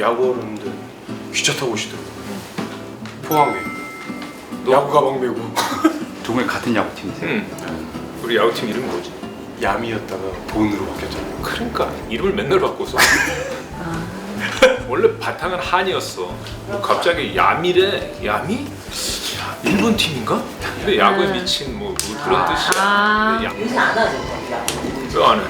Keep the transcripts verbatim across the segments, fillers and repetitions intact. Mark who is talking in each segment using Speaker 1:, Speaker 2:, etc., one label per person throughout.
Speaker 1: 야구 어른들 기차 타고 오시더라고요. 포항에 야구 가방 메고.
Speaker 2: 두 분이 같은 야구팀이세요?
Speaker 3: 응. 우리 야구팀 이름 뭐지?
Speaker 1: 야미였다가 본으로 바뀌었잖아요.
Speaker 3: 그러니까 이름을 맨날 바꿔서. 원래 바탕은 한이었어. 뭐 갑자기 야미래. 야미? 일본 팀인가? 근데 야구에 미친 뭐, 뭐 그런 뜻이야.
Speaker 4: 아.
Speaker 3: 근데 야-
Speaker 5: 요새 안 하죠.
Speaker 3: 왜 안 해?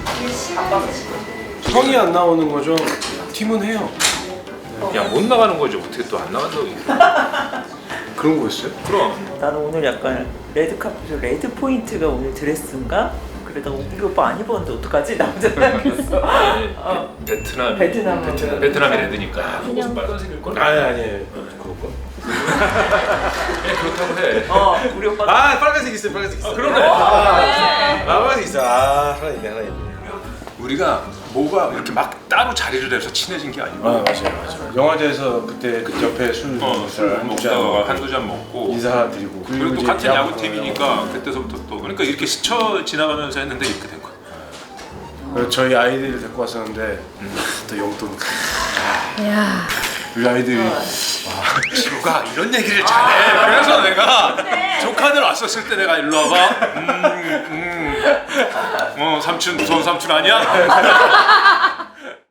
Speaker 1: 성이 안 나오는 거죠. 팀은 해요.
Speaker 3: 야 못 나가는 거죠. 어떻게 또 안 나간다고 얘기해.
Speaker 1: 그런 거였어요?
Speaker 3: 그럼
Speaker 5: 나는 오늘 약간 레드카펫 레드 포인트가 오늘 드레스인가? 그러다가 우리 오빠 안 입었는데 어떡하지? 나 혼자 생각했어. 어.
Speaker 3: 베트남
Speaker 5: 베트남
Speaker 3: 베트남 베트남이 레드니까 옷은 빨간색일 걸.
Speaker 1: 아니 아니 그럴까?
Speaker 3: 그냥 그렇다고 해.
Speaker 5: 어, 우리 오빠.
Speaker 1: 아 빨간색 있어요. 빨간색 있어.
Speaker 3: 아, 그러네.
Speaker 1: 아, 빨간색 있어. 아 하나 있네 하나 있네.
Speaker 3: 우리가 뭐가 이렇게 막 따로 자리를 해서 친해진 게 아니고.
Speaker 1: 아 맞아요 맞아요. 영화제에서 그때 그 옆에 술
Speaker 3: 어, 술 먹다가 한두 잔 먹고
Speaker 1: 인사드리고
Speaker 3: 그리고 또
Speaker 1: 이제
Speaker 3: 같은
Speaker 1: 야구
Speaker 3: 야구팀이니까 그때서부터 또 그러니까 이렇게 스쳐 지나가면서 했는데 이렇게 된 거야.
Speaker 1: 그래서 저희 아이들을 데리고 왔었는데 또 용돈
Speaker 4: 야.
Speaker 1: 우리 아이들이
Speaker 3: 지우가 이런 얘기를 잘해. 그래서 내가 조카들 왔었을 때 내가 일로 와봐. 음, 음. 어 삼촌 무서운 삼촌 아니야?